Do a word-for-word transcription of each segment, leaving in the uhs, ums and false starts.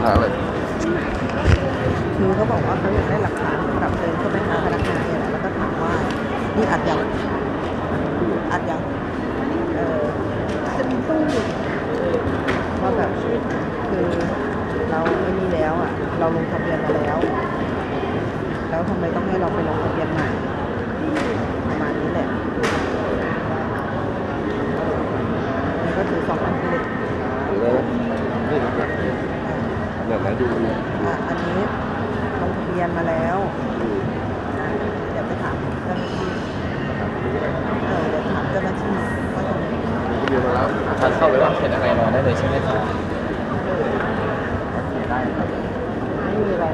าอะไรคือเขาบอกว่าเขาอยากได้หลักฐานสำหรับเดินเข้าไปหาพนักงานเนี่ยแหละแล้วก็ถามว่านี่อัดยังอัดยังเออจะมีตู้ว่าแบบคือเราไม่มีแล้วอ่ะเราลงทะเบียนมาแล้วแล้วทำไมต้องให้เราไปลงทะเบียนใหม่ประมาณนี้แหละนี่ก็คือสองอันที่เลยแล้วนี่แบบแบบไหนดูอ่ะอันนี้ลงทะเบียนมาแล้วเดี๋ยวไปถามเจ้าหน้าที่เออเดี๋ยวถามเจ้าหน้าที่ว่าตรงนี้เรียนมาแล้วทานเข้าไปว่าเห็นอะไรรอได้เลยใช่ไหมครับโอเคได้ครับไม่มีอะไร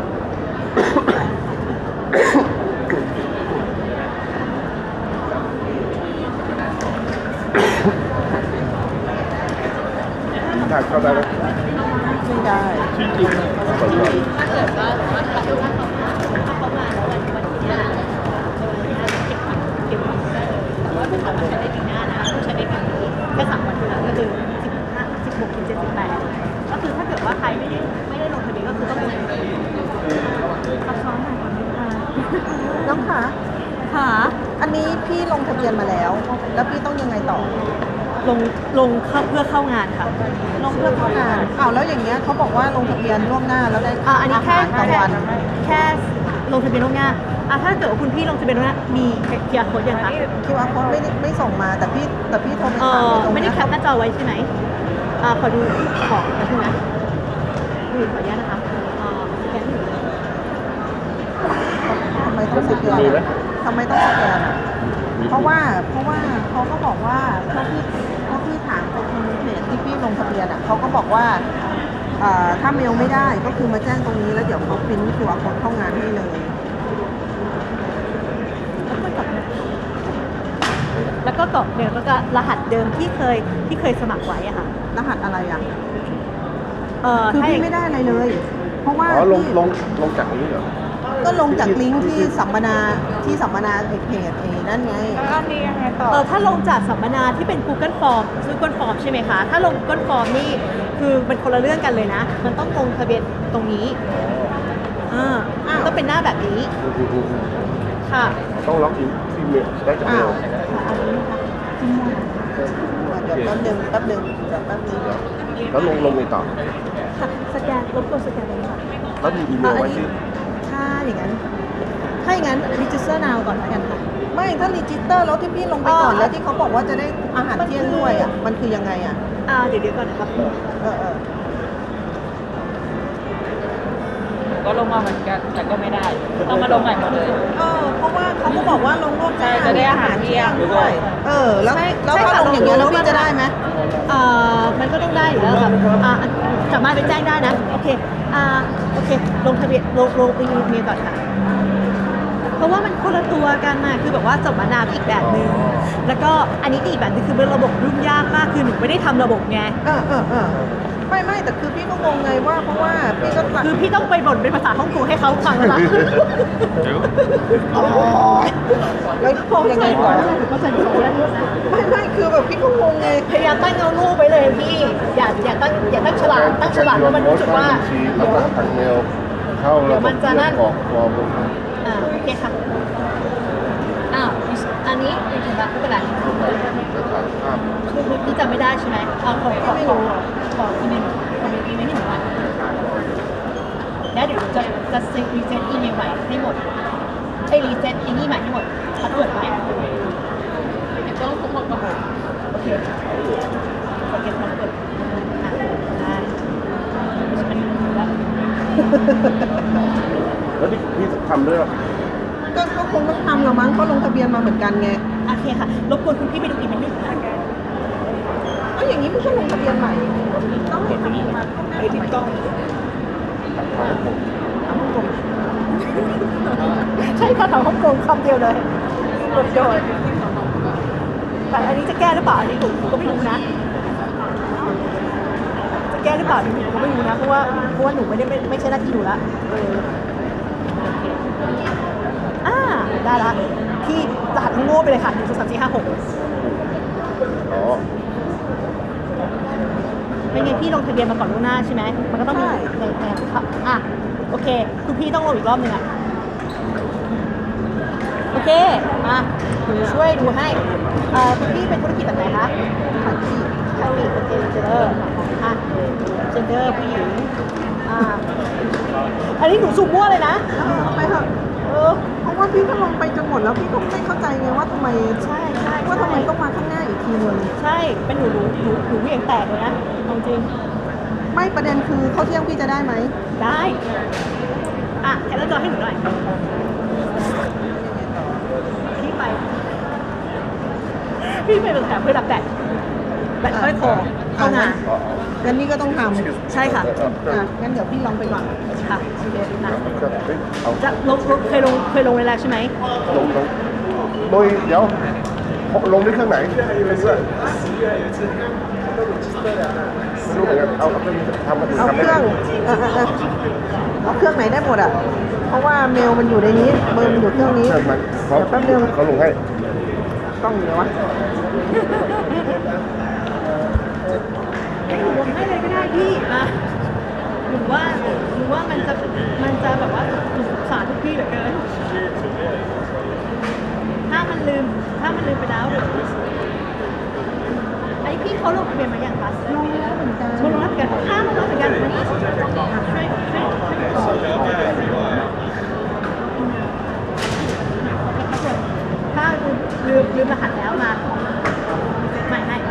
ถ่ายเข้าได้ไหมไม่ได้ชื่อจริงถ้าเกิดว่าว่าถ้าเขาถ้าเขามาแล้ววันวันที่ห้าเก็บผักเก็บผักได้เลยแต่ว่าไม่สามารถใช้ได้ปีหน้านะต้องใช้ได้ปีนี้แค่สามวันเท่านั้นก็คือสิบห้าสิบหกถึงเจ็ดสิบแปดก็คือถ้าเกิดว่าใครไม่ได้ไม่ได้ลงทะเบียนก็คือต้องลงทะเบียนซับซ้อนหน่อยก่อนนะคะน้องคะค่ะอันนี้พี่ลงทะเบียนมาแล้วแล้วพี่ต้องยังไงต่อลงลงเข้าเพื่อเข้างานค่ะลงเพื่อเข้างานอ้าวแล้วอย่างเงี้ยเขาบอกว่าลงทะเบียนล่วงหน้าแล้วได้อ่าอันนี้แค่กลางวันแค่ลงทะเบียนล่วงหน้าอ่าถ้าเกิดว่าคุณพี่ลงทะเบียนล่วงหน้ามี คิว อาร์ code ยังคะคิว อาร์ code ไม่ได้ไม่ส่งมาแต่พี่แต่พี่โทรไปถามตรงนี้ไม่ได้แคปหน้าจอไว้ใช่ไหมอ่าขอดูของนะพี่นะดูขออนุญาตนะคะอ่าสแกนทำไมต้องสแกนทำไมต้องสแกนเพราะว่าเพราะว่าเขาก็บอกว่าถ้าพี่ถ้าพี่ถามไปทางเพจที่พี่ลงทะเบียนอ่ะเขาก็บอกว่าถ้าเมลไม่ได้ก็คือมาแจ้งตรงนี้แล้วเดี๋ยวเขาพิมพ์คิว อาร์ code เข้างานให้เลยแล้วก็กรอกเดิมแล้วก็รหัสเดิมที่เคยที่เคยสมัครไว้อะค่ะรหัสอะไรอ่ะเออคือพี่ไม่ได้อะไรเลยเพราะว่าอ๋อลงลงลงจากนี้เหรอก็ลงจากลิงก์ที่สัมมนาที่สัมมนาเพจเอนั่นไงแล้วอันนี้ยังไงต่อเออถ้าลงจากสัมมนาที่เป็น Google Form Google Form ใช่ไหมคะถ้าลง Google Form นี่คือเป็นคนละเรื่องกันเลยนะมันต้องลงทะเบียนตรงนี้อ่าต้องเป็นหน้าแบบนี้ค่ะต้องล็อกอินที่เมลได้จากเมลเดี๋ยวแป๊บนึงแป๊บนึงเดี๋ยวแป๊บนึงแล้วลงลงในต่อค่ะสแกนรบกวนสแกนเลยค่ะแล้วมีอีเมลไว้ที่ถ้าอย่างนั้นถ้าอย่างนั้น register now ก่อนแล้วกันค่ะไม่ถ้า register แล้วที่พี่ลงไปก่อนแล้วที่เขาบอกว่าจะได้อาหารเที่ยงด้วยอ่ะมันคือยังไงอ่ะอ่าเดี๋ยวเดี๋ยวก่อนนะครับเออเออก็ลงมาเหมือนกันแต่ก็ไม่ได้ต้องมาลงใหม่หมดเลยเออเพราะว่าเขาก็บอกว่าลงร่วมกันจะได้อาหารเที่ยงด้วยเออแล้วแล้วถ้าลงอย่างเงี้ยแล้วพี่จะได้ไหมเอ่อมันก็ต้องได้อยู่แล้วครับอ่าสามารถไปแจ้งได้นะโอเคอ่าโอเคลงทะเบียนลงลงอีเมลก่อนค่ะเพราะว่ามันคนละตัวกันนะคือแบบว่าสัมมนาอีกแบบนึงแล้วก็อันนี้อีกแบบนึงคือเป็นระบบยุ่งยากมากคือหนูไม่ได้ทำระบบไงเออเออเออไม่ไม่แต่คือพี่ก็งงไงว่าเพราะว่าพี่ก็คือพี่ต้องไปบ่นเป็นภาษาฮ่องกงให้เขาฟังแล้วล่ะอ๋อแล้วยังไงต่อไม่ไม่คือแบบพี่ก็งงไงพยายามตั้งเงาลูกไปเลยพี่อย่าอย่าตั้งอย่าตั้งฉลาดตั้งฉลาดแล้วมันรู้สึกว่าเดี๋ยวทางเมลเข้าแล้วมันจะนั่นกรอกฟอร์มอ่าโอเคค่ะอ้าวอันนี้เป็นยังไงไม่เป็นไรคือพี่จำไม่ได้ใช่ไหมเอาขอขอไม่รู้ขออีเมลขออีเมลให้หนูหน่อยแล้วเดี๋ยวจะจะเซ็ตรีเซ็ตอีเมลใหม่ให้หมดไอ้รีเซ็ตอีนี่ใหม่ให้หมดพาสเวิร์ดใหม่เดี๋ยวต้องทุกคนก่อนโอเคขอเก็บพาสเวิร์ดได้ฉันรู้แล้วแล้วที่พี่ทำด้วยก็ก็คงต้องทำหรอมั้งเขาลงทะเบียนมาเหมือนกันไงโอเคค่ะรบกวนคุณพี่ไปดูอีเมลหนึ่งนะเอ้ยอย่างนี้ไม่ใช่ลงทะเบียนใหม่ต้องเห็นตรงนี้ไอ้ที่กล้องใช่ค่ะถามฮ่องกงคำเดียวเลยหมดโดนแต่อันนี้จะแก้หรือเปล่าอันนี้ผมก็ไม่รู้นะจะแก้หรือเปล่าหนูก็ไม่รู้นะเพราะว่าเพราะว่าหนูไม่ได้ไม่ไม่ใช่หน้าที่หนูละอ่าได้ละพี่รหัสโง่ไปเลยค่ะหนึ่งสองสามสี่ห้าหกอ๋อไม่งั้นพี่ลงทะเบียนมาก่อนล่วงหน้าใช่ไหมมันก็ต้องมีในในอ่ะโอเคคุณพี่ต้องลงอีกรอบหนึ่งอ่ะโอเคมาหนูช่วยดูให้เอ่อคุณพี่เป็นธุรกิจแบบไหนคะขายที่เกาหลีโอเคเจนเดอร์อ่ะเจนเดอร์ผู้หญิงอ่าอันนี้หนูสูบมั่วเลยนะเอาไปเถอะเออเพราะว่าพี่ก็ลงไปจนหมดแล้วพี่ก็ไม่เข้าใจไงว่าทำไมใช่ใช่ว่าทำไมต้องมาข้างหน้าอีกทีนึงใช่เป็นหนูหนูหนูหนูเหวี่ยงแตกเลยนะเอาจริงไม่ประเด็นคือเขาเที่ยงพี่จะได้ไหมได้อ่ะแค่แล้วจอให้หนูหน่อยพี่ไปพี่ไปเป็นแถมเพื่อรับแบตแบตค่อยคอเข้างานงั้นนี่ก็ต้องทใช่ค่ะำอ่ะงั้นเดี๋ยวพี่ลองไปก่อนค่ะโอเคนะเอาจะลงลงเคยลงเคยลงในแล้วใช่ไหมลงลงโดยเดี๋ยวลงด้วยเครื่องไหนไม่รู้ด้วยไม่รู้เหมือนกันเอาเอาเครื่องทำมาถึงเอาทำเคได้รื่องเออเออเออเอาเครื่องไหนได้หมดอ่ะ เพราะว่าเมลมันอยู่ในนี้เบอร์มันอยู่เครื่องนี้เครื่องมันเขาเดี๋ยวแป๊บนึงเขาลงให้กล้องอยู่ไหนวะลงให้เลยก็ได้พี่มาหรือว่าหรือว่ามันจะมันจะแบบว่าหนูสงสารทุกพี่เหลือเกินถ้ามันลืมถ้ามันลืมไปแล้วเดี๋ยวไอพี่เขาลงทะเบียนมาอย่างคะลงแล้วเหมือนกันลงรับกันข้ามลงรับเหมือนกันวันนี้ช่วยช่วยช่วยถ้าลืมลืมลืมรหัสแล้วมาใหม่ให้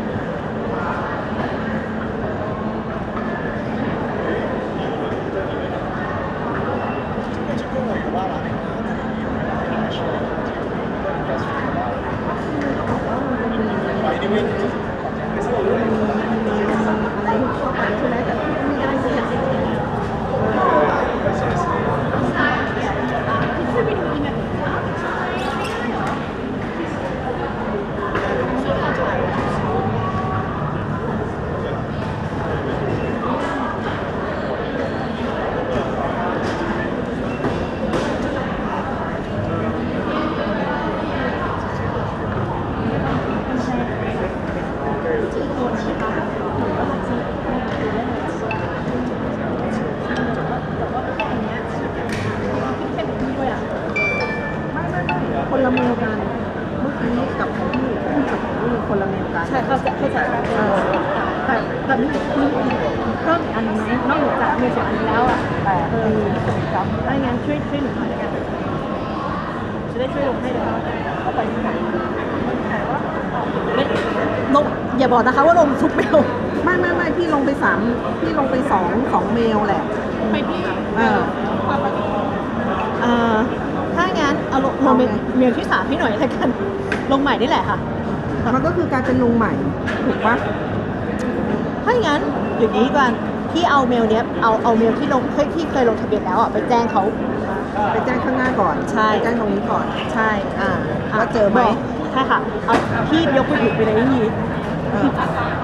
คนละเมลกัน เมื่อกี้กับของพี่กับของพี่คนละเมลกันใช่เข้าใจเข้าใจเออแต่แต่มีมีเพิ่มอีกอันนึงไหมนอกเหนือจากเมลสองอันนี้แล้วอ่ะแต่เออถ้างั้นช่วยช่วยหนูหน่อยแล้วกันจะได้ช่วยลงให้เลยเข้าไปที่ไหนไม่ลงอย่าบอกนะคะว่าลงทุกเมลไม่ไม่ไม่พี่ลงไปสามพี่ลงไปสองของเมลแหละไปที่เออเอ่อถ้างั้นเอาลงลงเมลเมลที่สามให้หน่อยแล้วกัน ลงใหม่นี่แหละค่ะมันก็คือการเป็นลงใหม่ ถูกปะถ้างั้นอย่างนี้กันพี่เอาเมลเนี้ยเอาเอาเมลที่ลงเคยที่เคยลงทะเบียนแล้วอ่ะไปแจ้งเขาไปแจ้งข้างหน้าก่อนใช่ไปแจ้งตรงนี้ก่อนใช่อ่าว่าเจอไหมบอกใช่ค่ะเอาพี่ยกมือถือไปเลยนี่เออ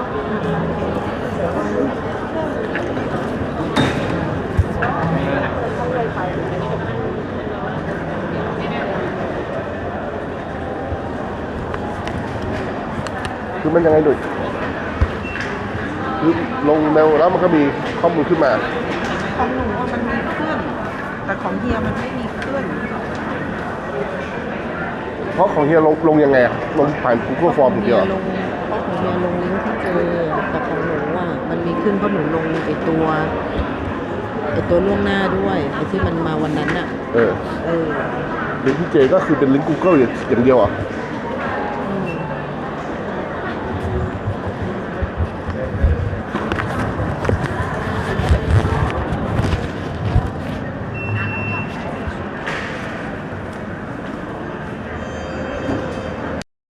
คือมันยังไงดุยคือลงเร็วแล้วมันก็มีข้อมูลขึ้นมาของหนูอะมันมีขึ้น แต่ของเฮียมันไม่มีขึ้นเพราะของเฮียลงลงยังไงอะลงผ่าน Google Form อย่างเดียวเหรอลงเพราะของเฮียลงลิงก์ที่เจอแต่ของหนูอ่ะมันมีขึ้นเพราะหนูลงไอตัวไอตัวล่วงหน้าด้วยไอที่มันมาวันนั้นอ่ะเออเออลิงก์ที่เจก็คือเป็นลิงก์ Google อย่างเดียวเหรอ่ะ